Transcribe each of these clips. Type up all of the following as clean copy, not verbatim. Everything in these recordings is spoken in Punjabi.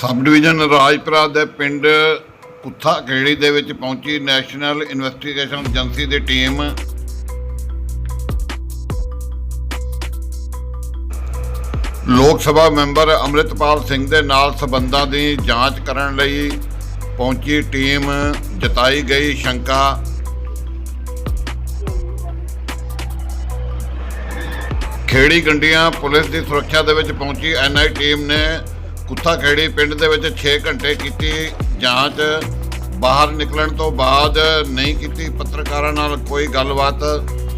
सब डिवीजन राजपुरा के पिंड कुत्था खेड़ी दे विच पहुंची नैशनल इन्वेस्टिगेशन एजेंसी की टीम। लोक सभा मैंबर अमृतपाल सिंह के नाल संबंधां की जांच करन लई पहुंची टीम। जताई गई शंका। खेड़ी गंडियां पुलिस की सुरक्षा दे विच पहुंची NI टीम ने कुत्था खेड़ी पिंड दे विच 6 घंटे की जांच। बाहर निकलण तो बाद नहीं की पत्रकारां नाल कोई गलबात।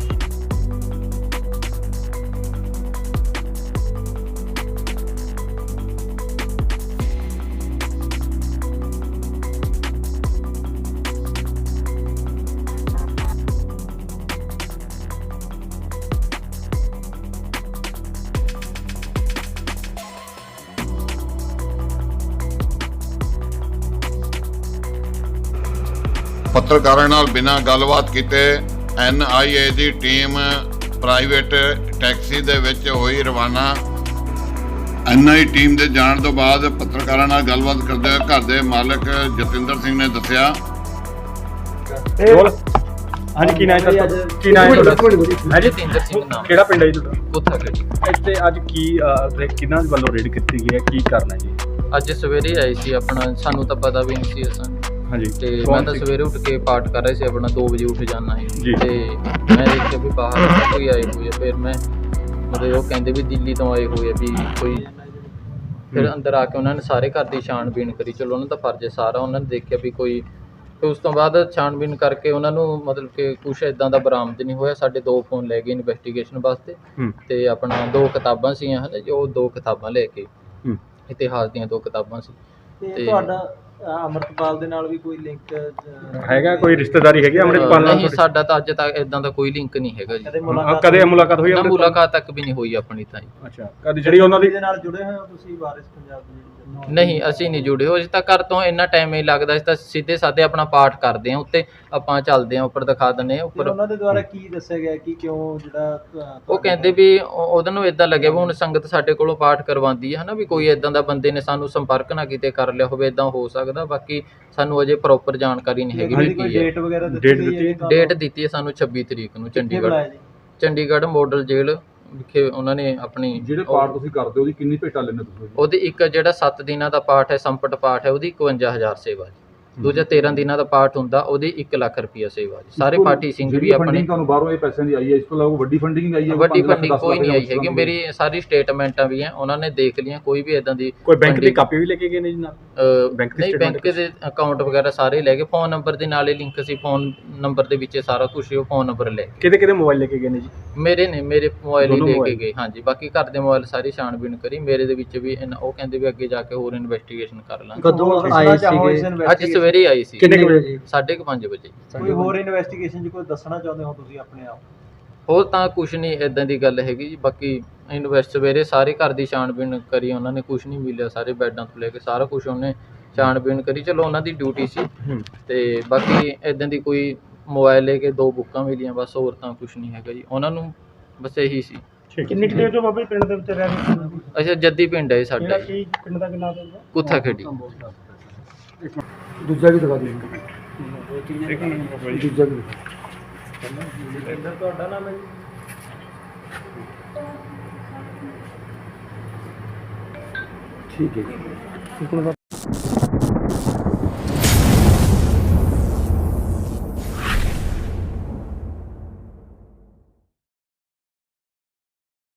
पत्रकारां नाल बिना गलबात कीते NIA की टीम प्राइवेट टैक्सी दे विच होई रवाना। NI टीम दे जाण तो बाद पत्रकारां नाल गलबात करदे होए घर दे मालक जतिंदर सिंह ने दस्सिया। ਹਾਂਜੀ ਕੀ ਨਾਮ ਹੈ ਕੀ ਨਾਮ ਹੈ ਤੁਹਾਡਾ? ਜਤਿੰਦਰ ਸਿੰਘ ਨਾਮ। ਕਿਹੜਾ ਪਿੰਡ ਹੈ ਜੀ ਤੁਹਾਡਾ? ਕੁੱਥਾ ਖੇੜੀ। ਇੱਥੇ ਅੱਜ ਕੀ ਕਿਹਨਾਂ ਵੱਲੋਂ ਰੇਡ ਕੀਤੀ ਗਈ ਹੈ, ਕੀ ਕਰਨਾ ਜੀ? ਅੱਜ ਸਵੇਰੇ ਆਏ ਸੀ, ਆਪਣਾ ਸਾਨੂੰ ਤਾਂ ਪਤਾ ਵੀ ਨਹੀਂ ਸੀ ਅਸਾਂ ਹਾਂਜੀ ਤੇ ਮੈਂ ਤਾਂ ਸਵੇਰੇ ਉੱਠ ਕੇ ਪਾਠ ਕਰ ਰਿਹਾ ਸੀ, ਆਪਣਾ 2 ਵਜੇ ਉੱਠ ਜਾਣਾ ਹੈ ਜੀ। ਤੇ ਮੈਂ ਦੇਖਿਆ ਵੀ ਬਾਹਰ ਕੋਈ ਆਏ ਹੋਏ ਆ। ਫਿਰ ਮੈਂ ਮਤਲਬ ਉਹ ਕਹਿੰਦੇ ਵੀ ਦਿੱਲੀ ਤੋਂ ਆਏ ਹੋਏ ਆ ਵੀ ਕੋਈ। ਫਿਰ ਅੰਦਰ ਆ ਕੇ ਉਹਨਾਂ ਨੇ ਸਾਰੇ ਘਰ ਦੀ ਛਾਣਬੀਣ ਕਰੀ। ਚਲੋ ਉਹਨਾਂ ਦਾ ਫਰਜ਼ ਹੈ ਸਾਰਾ। ਉਹਨਾਂ ਨੇ ਦੇਖਿਆ ਵੀ ਕੋਈ, ਤੇ ਉਸ ਤੋਂ ਬਾਅਦ ਛਾਣਬੀਣ ਕਰਕੇ ਉਹਨਾਂ ਨੂੰ ਮਤਲਬ ਕਿ ਕੁਛ ਇਦਾਂ ਦਾ ਬਰਾਮਦ ਨਹੀਂ ਹੋਇਆ। ਸਾਡੇ 2 ਫੋਨ ਲੈ ਗਏ ਇਨਵੈਸਟੀਗੇਸ਼ਨ ਵਾਸਤੇ ਤੇ ਆਪਣਾ 2 ਕਿਤਾਬਾਂ ਸੀਗੀਆਂ ਹਨ ਜੀ, ਉਹ 2 ਕਿਤਾਬਾਂ ਲੈ ਕੇ, ਇਤਿਹਾਸ ਦੀਆਂ 2 ਕਿਤਾਬਾਂ ਸੀ। ਤੇ ਤੁਹਾਡਾ ਅਮਰਤਪਾਲ ਦੇ ਨਾਲ ਵੀ ਕੋਈ ਲਿੰਕ ਹੈਗਾ, ਕੋਈ ਰਿਸ਼ਤੇਦਾਰੀ ਹੈਗੀ ਅਮਰਿਤਪਾਲ ਨਾਲ? ਨਹੀਂ, ਸਾਡਾ ਤਾਂ ਅੱਜ ਤੱਕ ਇਦਾਂ ਦਾ ਕੋਈ ਲਿੰਕ ਨਹੀਂ ਹੈਗਾ ਜੀ। ਕਦੇ ਕਦੇ ਮੁਲਾਕਾਤ ਹੋਈ? ਨਾ, ਮੁਲਾਕਾਤ ਤੱਕ ਵੀ ਨਹੀਂ ਹੋਈ ਆਪਣੀ ਤਾਂ ਜੀ। ਅੱਛਾ, ਕਦੇ ਜਿਹੜੀ ਉਹਨਾਂ ਦੀ ਦੇ ਨਾਲ ਜੁੜੇ ਹੋਏ ਹੋ ਤੁਸੀਂ ਵਾਰਿਸ ਪੰਜਾਬ ਦੇ? ਨਹੀਂ, ਅਸੀਂ ਨਹੀਂ ਜੁੜੇ ਹੋਏ। ਅਸੀਂ ਤਾਂ ਘਰ ਤੋਂ ਇੰਨਾ ਟਾਈਮ ਹੀ ਲੱਗਦਾ। ਅਸੀਂ ਤਾਂ ਸਿੱਧੇ ਸਾਦੇ ਆਪਣਾ ਪਾਠ ਕਰਦੇ ਹਾਂ, ਉੱਤੇ ਆਪਾਂ ਚੱਲਦੇ ਹਾਂ, ਉੱਪਰ ਦਿਖਾ ਦਿੰਦੇ ਹਾਂ ਉੱਪਰ। ਉਹਨਾਂ ਦੇ ਦੁਆਰਾ ਕੀ ਦੱਸਿਆ ਗਿਆ ਕਿ ਕਿਉਂ ਜਿਹੜਾ ਉਹ ਕਹਿੰਦੇ ਵੀ ਉਹਦੇ ਨੂੰ ਇਦਾਂ ਲੱਗਿਆ ਵੀ ਹੁਣ ਸੰਗਤ ਸਾਡੇ ਕੋਲੋਂ ਪਾਠ ਕਰਵਾਉਂਦੀ ਹੈ ਨਾ, ਵੀ ਕੋਈ ਇਦਾਂ ਦਾ ਬੰਦੇ ਨੇ ਸਾਨੂੰ ਸੰਪਰਕ ਨਾ ਕਿਤੇ ਕਰ ਲਿਆ ਹੋਵੇ, ਇਦਾਂ ਹੋ ਸਕਦਾ। ਬਾਕੀ ਸਾਨੂੰ ਅਜੇ ਪ੍ਰੋਪਰ ਜਾਣਕਾਰੀ ਨਹੀਂ ਹੈਗੀ ਵੀ ਕੀ ਹੈ। ਡੇਟ ਵਗੈਰਾ ਡੇਟ ਦਿੱਤੀ ਹੈ ਸਾਨੂੰ 26 ਤਰੀਕ ਨੂੰ ਚੰਡੀਗੜ੍ਹ ਮਾਡਲ ਜੇਲ੍ਹ ਵਿਖੇ। ਉਹਨਾਂ ਨੇ ਆਪਣੀ ਜਿਹੜੇ ਪਾਠ ਤੁਸੀਂ ਕਰਦੇ ਹੋ ਉਹਦੀ ਕਿੰਨੀ ਭੇਟਾ ਲੈਂਦੇ ਤੁਸੀਂ? ਉਹਦੀ ਇੱਕ ਜਿਹੜਾ 7 ਦਿਨਾਂ ਦਾ ਪਾਠ ਹੈ, ਸੰਪਟ ਪਾਠ ਹੈ, ਉਹਦੀ 51,000 ਸੇਵਾ ਜੀ। ਦੂਜਾ 13 ਦਿਨਾਂ ਦਾ ਪਾਠ ਹੁੰਦਾ, ਉਹਦੀ 1 ਲੱਖ ਰੁਪਈਆ ਸੇਵਾ ਜੀ। ਸਾਰੇ ਪਾਠੀ ਸਿੰਘ ਵੀ ਆਪਣੇ। ਤੁਹਾਨੂੰ ਬਾਹਰੋਂ ਇਹ ਪੈਸਿਆਂ ਦੀ ਆਈ ਹੈ, ਇਸ ਤੋਂ ਇਲਾਵਾ ਵੱਡੀ ਫੰਡਿੰਗ ਆਈ ਹੈ? ਵੱਡੀ ਫੰਡਿੰਗ ਕੋਈ ਨਹੀਂ ਆਈ ਹੈਗੀ। ਮੇਰੀ ਸਾਰੀ ਸਟੇਟਮੈਂਟਾਂ ਵੀ ਹੈ, ਉਹਨਾਂ ਨੇ ਦੇਖ ਲਈਆਂ। ਕੋਈ ਵੀ ਇਦਾਂ ਦੀ ਕੋਈ ਬੈਂਕ ਦੀ ਕਾਪੀ ਵੀ ਲੈ ਕੇ ਗਏ ਨੇ ਜੀ ਨਾਲ? ਨਹੀਂ, ਬੈਂਕ ਦੇ ਅਕਾਊਂਟ ਵਗੈਰਾ ਸਾਰੇ ਲੈ ਗਏ। ਫੋਨ ਨੰਬਰ ਦੇ ਨਾਲ ਹੀ ਲਿੰਕ ਸੀ, ਫੋਨ ਨੰਬਰ ਦੇ ਵਿੱਚ ਸਾਰਾ ਕੁਝ ਉਹ ਫੋਨ ਨੰਬਰ ਲੈ ਗਏ। ਕਿਹਦੇ ਮੋਬਾਈਲ ਲੈ ਕੇ ਗਏ ਨੇ ਜੀ? ਮੇਰੇ ਮੋਬਾਈਲ ਹੀ ਲੈ ਕੇ ਗਏ। ਹਾਂਜੀ, ਬਾਕੀ ਘਰ ਦੇ ਮੋਬਾਈਲ ਸਾਰੀ ਛਾਣਬੀਣ ਕਰੀ। ਮੇਰੇ ਦੇ ਵਿੱਚ ਵੀ ਉਹ ਕਹਿੰਦੇ ਵੀ ਅੱਗੇ ਜਾ ਕੇ ਹੋਰ ਇਨਵੈਸਟੀਗੇਸ਼ਨ ਕਰ ਲਾਂਗੇ। ਕਦੋਂ ਆਏ ਸੀਗੇ? ਅੱਜ ਸਵੇਰੇ ਆਈ ਸੀ। ਕਿੰਨੇ ਵਜੇ ਜੀ? 5:30 ਵਜੇ। ਕੋਈ ਹੋਰ ਇਨਵੈਸਟੀਗੇਸ਼ਨ 'ਚ ਕੋਈ ਦੱਸਣਾ ਚਾਹੁੰਦੇ ਹੋ ਤੁਸੀਂ ਆਪਣੇ ਆਪ? ਹੋਰ ਤਾਂ ਕੁਝ ਨਹੀਂ ਇਦਾਂ ਦੀ ਗੱਲ ਹੈਗੀ ਜੀ। ਬਾਕੀ ਸਵੇਰੇ ਸਾਰੇ ਘਰ ਦੀ ਛਾਣਬੀਣ ਕਰੀ, ਉਹਨਾਂ ਨੇ ਕੁਝ ਨਹੀਂ ਮਿਲਿਆ। ਸਾਰੇ ਬੈੱਡਾਂ ਤੋਂ ਲੈ ਕੇ ਸਾਰਾ ਕੁਝ ਉਹਨੇ ਛਾਣਬੀਣ ਕਰੀ। ਚਲੋ ਉਹਨਾਂ ਦੀ ਡਿਊਟੀ ਸੀ। ਤੇ ਬਾਕੀ ਇਦਾਂ ਦੀ ਕੋਈ ਮੋਬਾਈਲ ਲੈ ਕੇ 2 ਬੁੱਕਾਂ ਮਿਲੀਆਂ, ਬਸ। ਹੋਰ ਤਾਂ ਕੁਝ ਨਹੀਂ ਹੈਗਾ ਜੀ। ਉਹਨਾਂ ਨੂੰ ਬਸ ਇਹੀ ਸੀ। ਕਿੰਨੀ ਦੇਰ ਤੋਂ ਬਾਬਾ ਪਿੰਡ ਦੇ ਵਿੱਚ ਰਹਿ ਰਹੇ ਸੀ? ਅੱਛਾ, ਜੱਦੀ ਪਿੰਡ ਹੈ ਸਾਡਾ, ਕੀ ਪਿੰਡ ਦਾ ਕਿੰਨਾ ਹੋਊਗਾ? ਕੁੱਥਾ ਖੇੜੀ। ਦੂਜਾ ਵੀ ਦਿਖਾ ਦਿਓ। ਦੂਜਾ ਵੀ ਤੁਹਾਡਾ ਨਾਮ ਹੈ ਜੀ? ਠੀਕ ਹੈ ਜੀ।